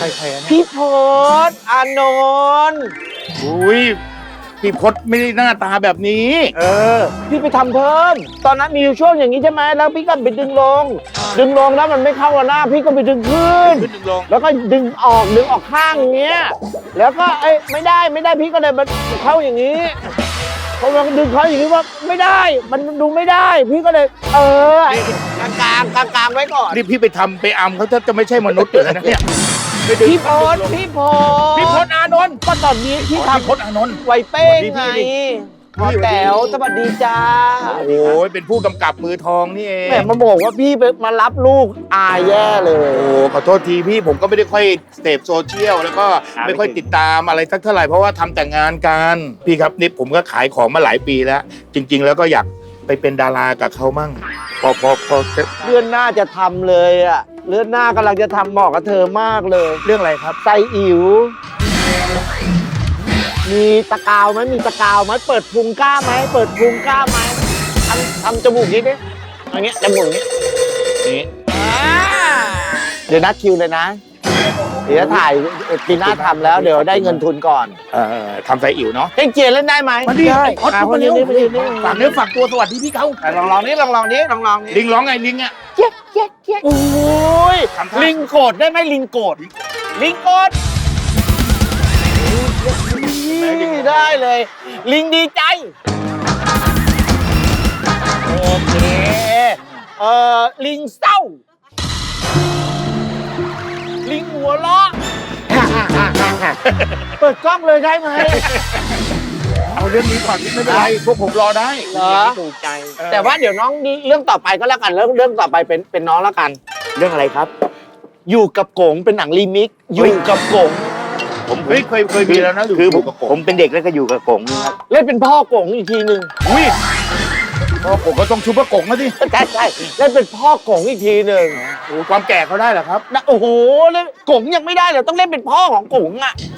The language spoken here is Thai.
ใครเนี่ยพี่พศอานนท์อุ้ยพี่พศไม่ได้หน้าตาแบบนี้พี่ไปทำเพิ่ม ตอนนั้นมีอยู่ช่วงอย่างนี้ใช่ไหมแล้วพี่ก็ไปดึงลงแล้วมันไม่เข้ากับหน้าพี่ก็ไปดึงขึ้นขึ้นดึงลงแล้วก็ดึงออกข้างอย่างเงี้ยแล้วก็ไม่ได้พี่ก็เลยมันเข้าอย่างนี้พอมันดึงเข้าอย่างนี้ว่าไม่ได้มันดูไม่ได้ พี่ก็เลยกลางไว้ก่อนนี่พี่ไปทำไปอำเขาจะไม่ใช่มนุษย์อยู่แล้วนะเนี่ยไปดึงพี่พศพี่พศอานนท์ก็ตอนนี้ที่พี่ทำพศอานนท์ไวเป้งไงสวัสดีพี่พอแต๋วสวัสดีจ้าโอ้ยเป็นผู้กำกับมือทองนี่เองแหมมาบอกว่าพี่มารับลูกอายแย่เลยโอ้ขอโทษทีพี่ผมก็ไม่ได้ค่อยเสพโซเชียลแล้วก็ไม่ค่อยติดตามอะไรสักเท่าไหร่เพราะว่าทำแต่งานกันพี่ครับนี่ผมก็ขายของมาหลายปีแล้ว จริง ๆ แล้วก็อยากไปเป็นดารากับเขามั่งพอเลื่อนหน้าจะทำเลยอะเลื่อนหน้ากำลังจะทำเหมาะกับเธอมากเลยเรื่องอะไรครับไซอิ๋วมีตะกาวไหมมีตะกาวไหมเปิดพุงกล้าไหมเปิดพุงกล้าไหมทำจมูกนี้ดิอย่างเงี้ยจมูกนี้นี่เดี๋ยวนัดคิวเลยนะ เดี๋ยวถ่ายปีหน้าทำแล้วเดี๋ยวได้เงินทุนก่อนทำไซอิ๋วเนาะเพ่งเจียนเล่นได้ไหมมาดิได้พอดมามาเร็เร็ววมาเร็วฝากเนื้อฝากตัวสวัสดีพี่เขาลองนี้ลองนี้ลิงร้องไงลิงอ่ะเจ๊กเจ๊กเจ๊กโอ้ยทำท่าลิงโกรธได้ไหมลิงโกรธลิงโกรธได้เลย ลิงดีใจโอเคลิงเศร้า ลิงหัวเราะเปิดกล้องเลยได้ไหมเอาเรื่องนี้ก่อนไม่เป็นไรพวกผมรอได้เหรอถูกใจ แต่ว่าเดี๋ยวน้องนี่เรื่องต่อไปก็แล้วกันเรื่องต่อไปเป็นน้องแล้วกันเรื่องอะไรครับอยู่กับกงเป็นหนังรีมิกซ์อยู่กับกงผมเคยมีแล้วนะคืออยู่กับผมผมเป็นเด็กแล้วก็อยู่กับกงครับเล่นเป็นพ่อกงอีกทีหนึ่งอุ้ยพอผมก็ต้องชุบพระกงนะดิใช่เล่นเป็นพ่อกงอีกทีหนึ่งโอ้ความแก่เขาได้เหรอครับโอ้โหเล่นกงยังไม่ได้เลยต้องเล่นเป็นพ่อของกงอ่ะ